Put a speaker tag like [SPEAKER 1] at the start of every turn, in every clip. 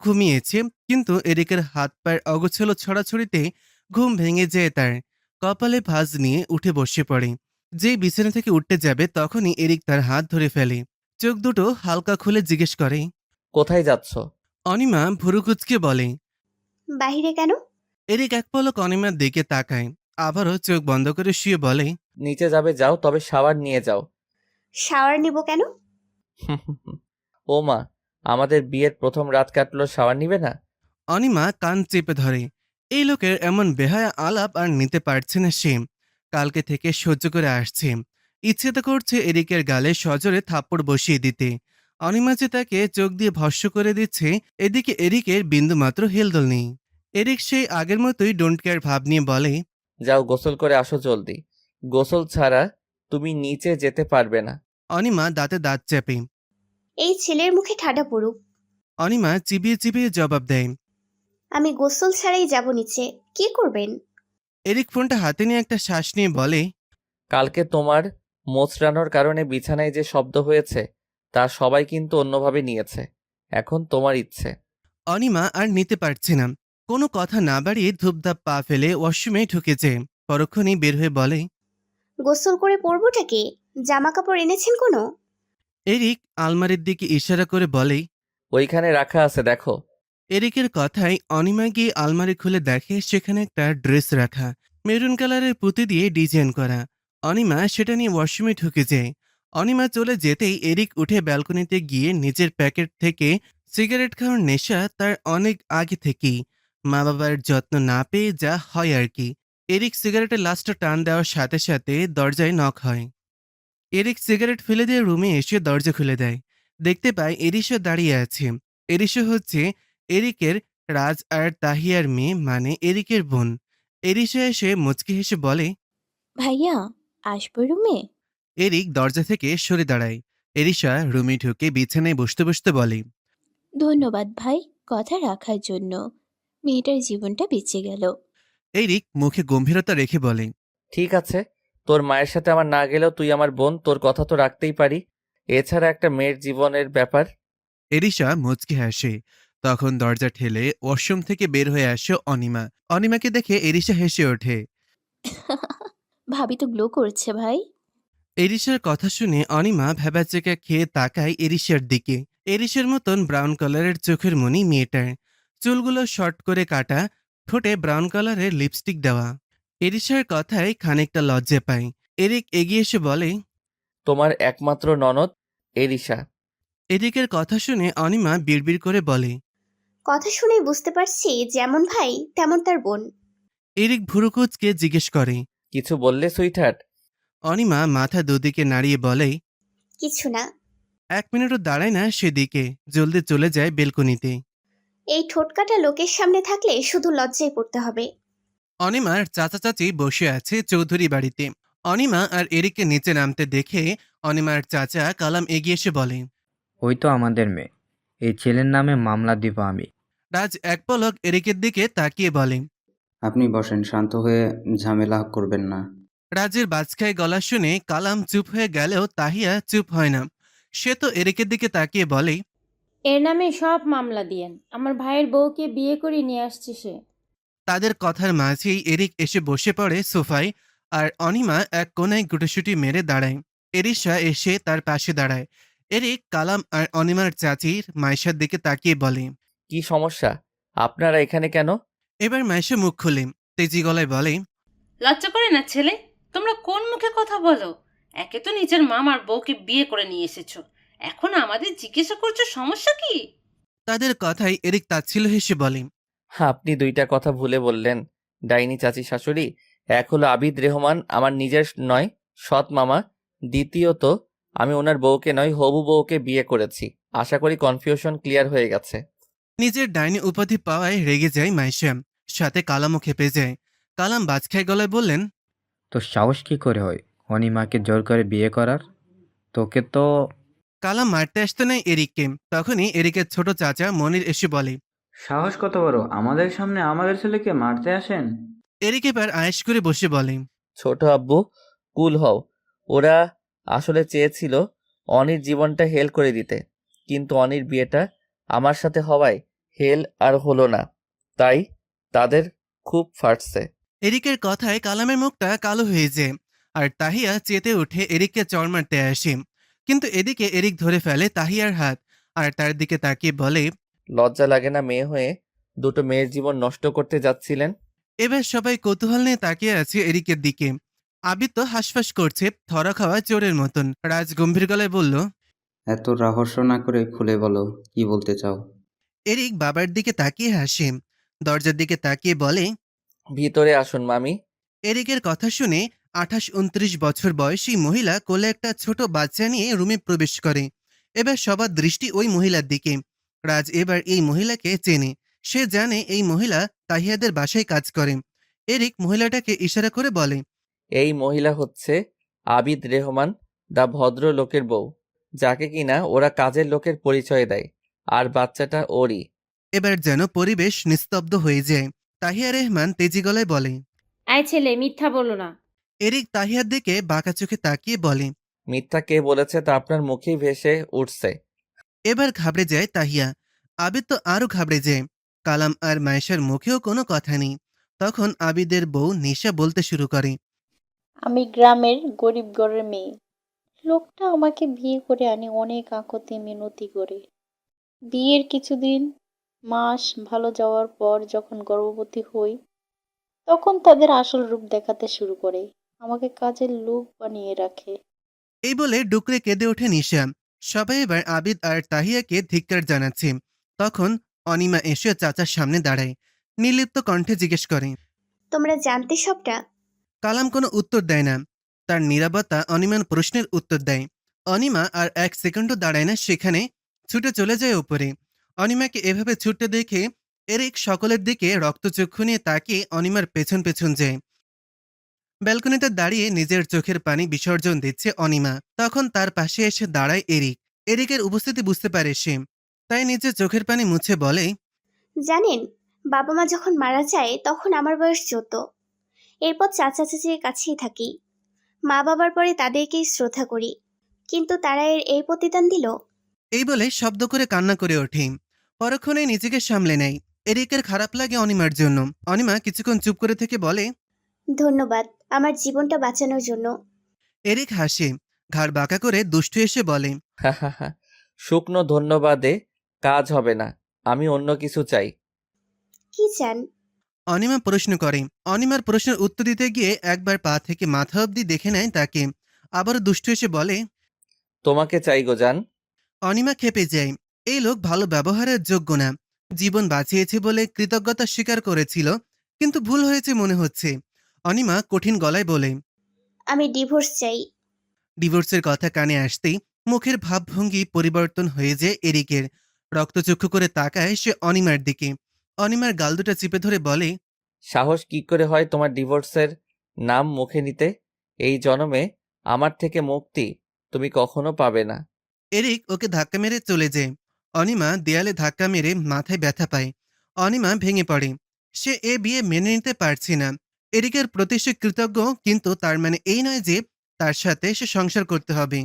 [SPEAKER 1] ঘুমিয়েছে, কিন্তু এরিকের হাত পায়ের অগোছালো ছড়াছড়িতে ঘুম ভেঙে যায় তার। কপালে ভাঁজ নিয়ে উঠে বসে পড়ে। যেই বিছানা থেকে উঠতে যাবে তখনই এরিক তার হাত ধরে ফেলে। চোখ দুটো হালকা খুলে জিজ্ঞেস করে।
[SPEAKER 2] কোথায় যাচ্ছ?
[SPEAKER 1] অনিমা ভুরু কুঁচকে বলে।
[SPEAKER 3] বাহিরে কেন?
[SPEAKER 1] এরিক এক পলক অনিমার দিকে তাকায়, আবারও চোখ বন্ধ করে শুয়ে বলে।
[SPEAKER 2] নিচে যাবে যাও, তবে শাওয়ার নিয়ে যাও।
[SPEAKER 3] শাওয়ার নিব কেন?
[SPEAKER 2] ও মা, আমাদের বিয়ের প্রথম রাত কাটলো, শাওয়ার নিবে না?
[SPEAKER 1] অনিমা কান চেপে ধরে। এই লোকের এমন বেহায়া আলাপ আর নিতে পারছে না সে। কালকে থেকে সহ্য করে আসছে। ইচ্ছে তো করছে এরিকের গালে সজোরে থাপ্পড় বসিয়ে দিতে। অনিমা যে তাকে চোখ দিয়ে ভস্ম করে দিচ্ছে, এদিকে এরিকের বিন্দুমাত্র হেলদোল নেই। এরিক সেই আগের মতোই ডোন্ট কেয়ার ভাব নিয়ে বলে।
[SPEAKER 2] যাও গোসল করে আসো জলদি। গোসল ছাড়া তুমি নিচে যেতে পারবে না।
[SPEAKER 1] অনিমা দাঁতে দাঁত চেপে।
[SPEAKER 3] এই ছেলের মুখে ঠাডা পড়ুক।
[SPEAKER 1] অনিমা চিবিয়ে চিবিয়ে জবাব দেয়।
[SPEAKER 3] আমি গোসল ছাড়াই যাব নিচে। কি করবেন?
[SPEAKER 1] এরিক ফোনটা হাতে নিয়ে একটা শ্বাস নিয়ে বলে।
[SPEAKER 2] কালকে তোমার মোচড়ানোর কারণে বিছানায় যে শব্দ হয়েছে তা সবাই কিন্তু অন্যভাবে নিয়েছে। এখন তোমার ইচ্ছে।
[SPEAKER 1] অনিমা আর নিতে পারছে না। কোনো কথা না বাড়িয়ে ধূপধাপ পা ফেলে ওয়াশরুমে ঢুকেছে। পরক্ষণেই বের হয়ে বলে।
[SPEAKER 3] গোসল করে পরবোটা কি? জামা কাপড় এনেছেন কোনো?
[SPEAKER 1] এরিক আলমারির দিকে ইশারা করে বলে।
[SPEAKER 2] ওইখানে রাখা আছে, দেখো।
[SPEAKER 1] এরিকের কথায় অনিমা গিয়ে আলমারি খুলে দেখে সেখানে একটা ড্রেস রাখা, মেরুন কালারের পুঁতি দিয়ে ডিজাইন করা। অনিমা সেটা নিয়ে ওয়াশরুমে ঢুকে যায়। অনিমা চলে যেতেই এরিক উঠে ব্যালকনিতে গিয়ে নিজের প্যাকেট থেকে সিগারেট খাওয়ার নেশা তার অনেক আগে থেকেই। মা বাবার যত্ন না পেয়ে যা হয় আর কি। এরিক সিগারেটের লাস্টটা টান দেওয়ার সাথে সাথে দরজায় নক হয়। এরিক সিগারেট ফেলে দিয়ে রুমে এসে দরজা খুলে দেয়। দেখতে পায় এরিশা দাঁড়িয়ে আছে। এরিশা হচ্ছে এরিকের রাজ আর তাহিয়ার মেয়ে, মানে এরিকের বোন। এরিশা এসে মুচকি হেসে বলে।
[SPEAKER 4] ভাইয়া, আসবো রুমে?
[SPEAKER 1] এরিক দরজা থেকে সরে দাঁড়ায়। এরিশা রুমে ঢুকে বিছানায় বসতে বসতে বলে।
[SPEAKER 4] ধন্যবাদ ভাই, কথা রাখার জন্য। মেয়েটার জীবনটা বেঁচে গেল।
[SPEAKER 1] এরিক মুখে গম্ভীরতা রেখে বলে।
[SPEAKER 2] ঠিক আছে, তোর মায়ের সাথে আমার না গেলেও তুই আমার বোন, তোর কথা তো রাখতেই পারি। এছাড়া একটা মেয়ের জীবনের ব্যাপার।
[SPEAKER 1] এরিশা মুচকি হাসে। তখন দরজা ঠেলে ওয়াশরুম থেকে বের হয়ে আসে অনিমা। অনিমাকে দেখে এরিশা হেসে ওঠে।
[SPEAKER 4] ভাবি তো গ্লো করছে ভাই।
[SPEAKER 1] এরিশার কথা শুনে অনিমা ভ্যাবাচেকা খেয়ে তাকায় এরিশার দিকে। এরিশার মতন ব্রাউন কালারের চোখের মনি মেয়েটার। চুলগুলো শর্ট করে কাটা, ঠোঁটে ব্রাউন কালারের লিপস্টিক দেওয়া। এরিশার কথায় খানিকটা লজ্জা পায়। এরিক এগিয়ে এসে বলে।
[SPEAKER 2] তোমার একমাত্র ননদ এরিশা।
[SPEAKER 1] এরিকের কথা শুনে অনিমা বিড়বিড় করে বলে।
[SPEAKER 3] কথা শুনেই বুঝতে পারছি যেমন ভাই তেমন তার বোন।
[SPEAKER 1] এরিক ভুরুকুচকে জিজ্ঞেস করে।
[SPEAKER 2] কিছু বললে সুইটহার্ট?
[SPEAKER 1] অনিমা মাথা দুদিকে নাড়িয়ে বলে।
[SPEAKER 3] কিছু না।
[SPEAKER 1] 1 মিনিটও দাঁড়ায় না সেদিকে, জলদি চলে যায় বেলকনিতে।
[SPEAKER 3] এই ঠোঁটকাটা লোকের সামনে থাকলে শুধু লজ্জায় পড়তে হবে।
[SPEAKER 1] অনিমার চাচা চাচি বসে আছে চৌধুরী বাড়িতে। অনিমা আর এরিককে নিচে নামতে দেখে অনিমার চাচা কালাম এগিয়ে এসে বলে।
[SPEAKER 5] ওই তো আমাদের মেয়ে। এই ছেলের নামে মামলা দিব আমি।
[SPEAKER 1] রাজ এক পলক এরিকের দিকে তাকিয়ে বলে।
[SPEAKER 6] আপনি বসেন, শান্ত হয়ে, ঝামেলা করবেন না।
[SPEAKER 1] রাজের বাজখায় গলা শুনে কালাম চুপ হয়ে গেলেও তাহিয়া চুপ হয় না। সে তো এরিকের দিকে তাকিয়ে বলে।
[SPEAKER 7] এর নামে সব মামলা দিয়েন, আমার ভাইয়ের বউকে বিয়ে করে নিয়ে আসছে সে।
[SPEAKER 1] তাদের কথার মাঝেই এরিক এসে বসে পড়ে সোফায়, আর অনিমা এক কোনায় গুটোসুটি মেরে দাঁড়ায়। এরিশা এসে তার পাশে দাঁড়ায়। এরিক কালাম আর অনিমার চাচির মাইশার দিকে তাকিয়ে বলে।
[SPEAKER 2] কি সমস্যা? আপনারা এখানে কেন?
[SPEAKER 1] এবার মাইশা মুখ খুলে তেজি গলায় বলে।
[SPEAKER 8] লজ্জা করে না ছেলে? তোমরা কোন মুখে কথা বলো? একে তো নিজের মামার বউকে বিয়ে করে নিয়ে এসেছো, এখন আমাদের জিজ্ঞাসা করছো সমস্যা কি?
[SPEAKER 1] তাদের কথাই এরিক তাচ্ছিল্য হেসে বলে।
[SPEAKER 2] আপনি দুইটা কথা ভুলে বললেন। ডাইনি চাচি শাশুড়ি, এক হলো আবিদ রেহমান, আমার নিজের নয়, সৎ মামা। দ্বিতীয়ত, আমি ওনার বউকে নয়, হবু বউকে বিয়ে করেছি। আশা করি কনফিউশন ক্লিয়ার হয়ে গেছে।
[SPEAKER 1] নিজের ডাইনি উপাধি পাওয়ায় রেগে যায় মাইশা, সাথে কালামও খেপে যায়। কালাম বাজখায় গলায় বললেন।
[SPEAKER 5] তোর সাহস কি করে হয় অনিমাকে জোর করে বিয়ে করার? তোকে তো।
[SPEAKER 1] কালাম মারতে আসতে নেয় এরিককে। তখনই এরিকের ছোট চাচা মনির এসে বলে।
[SPEAKER 6] সাহস কত বড়, আমাদের সামনে আমাদের ছেলেকে মারতে আসেন?
[SPEAKER 1] এরিক এবার আয়েশ করে বসে বলে।
[SPEAKER 2] ছোট আব্বু, কুল হও। ওরা আসলে চেয়েছিল অনির জীবনটা হেল করে দিতে, কিন্তু অনির বিয়েটা আমার সাথে হওয়ায় হেল আর হলো না, তাই তাদের খুব ফাটছে।
[SPEAKER 1] এরিকের কথায় কালামের মুখটা কালো হয়ে যায় আর তাহিয়া চেতে উঠে এরিককে চড় মারতে আসে। কিন্তু এদিকে এরিক ধরে ফেলে তাহিয়ার হাত আর তার দিকে তাকিয়ে বলে,
[SPEAKER 2] লজ্জা লাগে না মেয়ে হয়ে দুটো মেয়ের জীবন নষ্ট করতে যাচ্ছিলেন?
[SPEAKER 1] এবার সবাই কৌতূহল নিয়ে তাকিয়ে আছে এরিকের দিকে। আবিদ তো হাঁসফাঁস করছে থরা খাওয়া চোরের মতন। রাজ গম্ভীর গলায় বলল,
[SPEAKER 5] এত রহস্য না করে খুলে বলো, কি বলতে চাও?
[SPEAKER 1] এরিক বাবার দিকে তাকিয়ে হাসে, দরজার দিকে তাকিয়ে বলে।
[SPEAKER 2] ভিতরে আসুন মামি।
[SPEAKER 1] এরিকের কথা শুনে 28-29 বছর বয়সী মহিলা কোলে একটা ছোট বাচ্চা নিয়ে রুমে প্রবেশ করে। এবার সবার দৃষ্টি ওই মহিলার দিকে। রাজ এবার এই মহিলাকে চেনে। সে জানে এই মহিলা তাহিয়াদের বাসায় কাজ করে। এরিক মহিলাটাকে ইশারা করে বলে,
[SPEAKER 2] এই মহিলা হচ্ছে আবিদ রেহমান, দা ভদ্র লোকের বউ, যাকে কিনা ওরা কাজের লোকের পরিচয় দেয়, আর বাচ্চাটা ওরই।
[SPEAKER 1] এবার যেন পরিবেশ নিস্তব্ধ হয়ে যায়। তাহিয়া রেহমান তেজি গলায় বলে।
[SPEAKER 7] আয় ছেলে, মিথ্যা বলো না।
[SPEAKER 1] এরিক তাহিয়ার দিকে বাঁকা চোখে তাকিয়ে বলে।
[SPEAKER 2] মিথ্যা কে বলেছে তা আপনার মুখেই ভেসে উঠছে।
[SPEAKER 1] এবার ঘাবড়ে যায় তাহিয়া। আবিদ তো আরো ঘাবড়ে যায়। কালাম আর মায়েশার মুখেও কোনো কথা নেই। তখন আবিদের বউ নিশা বলতে শুরু করে।
[SPEAKER 9] আমি গ্রামের গরিব ঘরের মেয়ে। লোকটা আমাকে বিয়ে করে আনে অনেক আঁকতে মিনতি করে। বিয়ের কিছুদিন মাস ভালো যাওয়ার পর যখন গর্ভবতী হই, তখন তাদের আসল রূপ দেখাতে শুরু করে। আমাকে কাজের লোক বানিয়ে রাখে।
[SPEAKER 1] এই বলে ডুকরে কেঁদে ওঠে নিশা। সবাই এবার আবিদ আর তাহিয়াকে ধিক্কার জানাচ্ছে। তখন অনিমা এসে চাচার সামনে দাঁড়ায়। নির্লিপ্ত কণ্ঠে জিজ্ঞেস করে।
[SPEAKER 3] তোমরা জানতে সবটা?
[SPEAKER 1] কালাম কোনো উত্তর দেয় না। তার নীরবতা অনিমার প্রশ্নের উত্তর দেয়। অনিমা আর 1 সেকেন্ডও দাঁড়ায় না সেখানে, ছুটে চলে যায় উপরে। অনিমাকে এভাবে ছুটতে দেখে এরিক সকলের দিকে রক্তচক্ষু নিয়ে তাকিয়ে অনিমার পেছন পেছন যায়। ব্যালকনিতে দাঁড়িয়ে নিজের চোখের পানি বিসর্জন দিচ্ছে অনিমা। তখন তার পাশে এসে দাঁড়ায় এরিক। এরিকের উপস্থিতি বুঝতে পারে সে, তাই নিজের চোখের পানি মুছে বলে,
[SPEAKER 3] জানেন, বাবা মা যখন মারা যায় তখন আমার বয়স 14। এরপর চাচা চাচির কাছেই থাকি। মা বাবার পরে তাদেরকেই শ্রদ্ধা করি, কিন্তু তারা এই প্রতিদান দিল।
[SPEAKER 1] এই বলে শব্দ করে কান্না করে ওঠে। পরক্ষণে নিজেকে সামলে নেয়। এরিকের খারাপ লাগে অনিমার জন্য। অনিমা কিছুক্ষণ চুপ করে থেকে বলে,
[SPEAKER 3] ধন্যবাদ আমার জীবনটা বাঁচানোর জন্য।
[SPEAKER 1] এরিক হাসে, ঘাড় বাঁকা করে দুষ্টু এসে বলে,
[SPEAKER 2] হা। শুকনো ধন্যবাদে কাজ হবে না, আমি অন্য কিছু চাই।
[SPEAKER 3] কি চান?
[SPEAKER 1] অনিমা প্রশ্ন করে। অনিমার প্রশ্নের উত্তর দিতে গিয়ে একবার পা থেকে মাথা অবধি দেখে নেয় তাকে। আবারও দুষ্টু এসে বলে,
[SPEAKER 2] তোমাকে চাই গো জান।
[SPEAKER 1] অনিমা খেপে যায়। এই লোক ভালো ব্যবহারের যোগ্য না। জীবন বাঁচিয়েছে বলে কৃতজ্ঞতা স্বীকার করেছিল, কিন্তু ভুল হয়েছে মনে হচ্ছে। অনিমা কঠিন গলায় বলে,
[SPEAKER 3] আমি ডিভোর্স চাই।
[SPEAKER 1] ডিভোর্সের কথা কানে আসতেই মুখের ভাবভঙ্গি পরিবর্তন হয়ে যায় এরিকের। রক্তচক্ষু করে তাকায় সে অনিমার দিকে। অনিমার গাল দুটা চিপে ধরে বলে,
[SPEAKER 2] সাহস কি করে হয় তোমার ডিভোর্সের নাম মুখে নিতে? এই জন্মে আমার থেকে মুক্তি তুমি কখনো পাবে না।
[SPEAKER 1] এরিক ওকে ধাক্কা মেরে চলে যায়। অনিমা দেয়ালে ধাক্কা মেরে মাথায় ব্যথা পায়। অনিমা ভেঙে পড়ে। সে এ বিয়ে মেনে নিতে পারছে না। এরিকের প্রতি সে কৃতজ্ঞ, কিন্তু তার মানে এই নয় যে তার সাথে সে সংসার করতে হবে।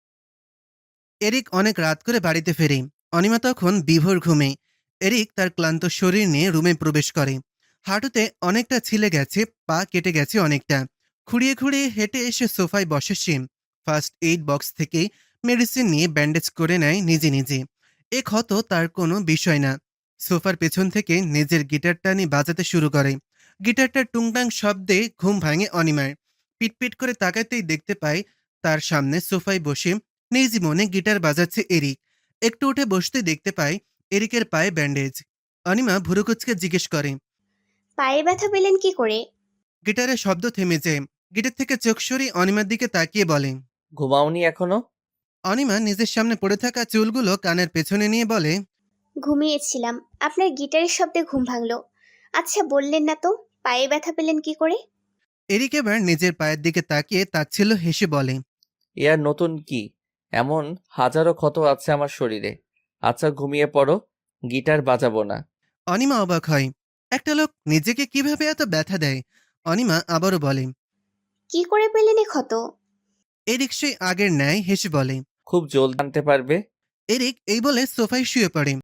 [SPEAKER 1] এরিক অনেক রাত করে বাড়িতে ফেরে। অনিমা তখন বিভোর ঘুমে। এরিক তার ক্লান্ত শরীর নিয়ে রুমে প্রবেশ করে। হাঁটুতে অনেকটা ছিলে গেছে, পা কেটে গেছে অনেকটা। খুঁড়িয়ে খুঁড়িয়ে হেঁটে এসে সোফায় বসে সে। ফার্স্ট এইড বক্স থেকে মেডিসিন নিয়ে ব্যান্ডেজ করে নেয় নিজে নিজে। এ ক্ষত তার কোনো বিষয় না। সোফার পেছন থেকে নিজের গিটারটা নিয়ে বাজাতে শুরু করে। গিটারটার টুংটাং শব্দে ঘুম ভাঙে অনিমার। পিটপিট করে তাকাতেই দেখতে পায় তার সামনে সোফায় বসে নিজ মনে গিটার বাজাচ্ছে এরিক। একটু উঠে বসতে দেখতে পায় এরিকের পায়ে ব্যান্ডেজ। অনিমা ভুরুকুচকে জিজ্ঞেস করে,
[SPEAKER 3] পায়ে ব্যথা পেলেন কি করে?
[SPEAKER 1] গিটারের শব্দ থেমে যায়। গিটার থেকে চোখ সরিয়ে অনিমার দিকে তাকিয়ে বলে।
[SPEAKER 2] ঘুমাওনি এখনো?
[SPEAKER 1] অনিমা নিজের সামনে পড়ে থাকা চুলগুলো কানের পেছনে নিয়ে বলে,
[SPEAKER 3] ঘুমিয়েছিলাম, আপনার গিটারের শব্দে ঘুম ভাঙলো। আচ্ছা বললেন না তো পায়ে ব্যথা পেলেন কি করে?
[SPEAKER 1] এরিক এবার নিজের পায়ের দিকে তাকিয়ে তাচ্ছিল্য হেসে বলে,
[SPEAKER 2] এ আর নতুন কি? এমন হাজারো ক্ষত আছে আমার শরীরে। আচ্ছা ঘুমিয়ে পড়ো, গিটার বাজাবো না।
[SPEAKER 1] অনিমা অবাক হয়। একটা লোক নিজেকে কিভাবে এত ব্যথা দেয়। অনিমা আবারও বলে,
[SPEAKER 3] কি করে পেলেন এ ক্ষত?
[SPEAKER 1] এরিক সেই আগের ন্যায় হেসে বলে।
[SPEAKER 2] খুব জলদি জানতে পারবে।
[SPEAKER 1] এরিক এই বলে সোফায় শুয়ে পড়ে।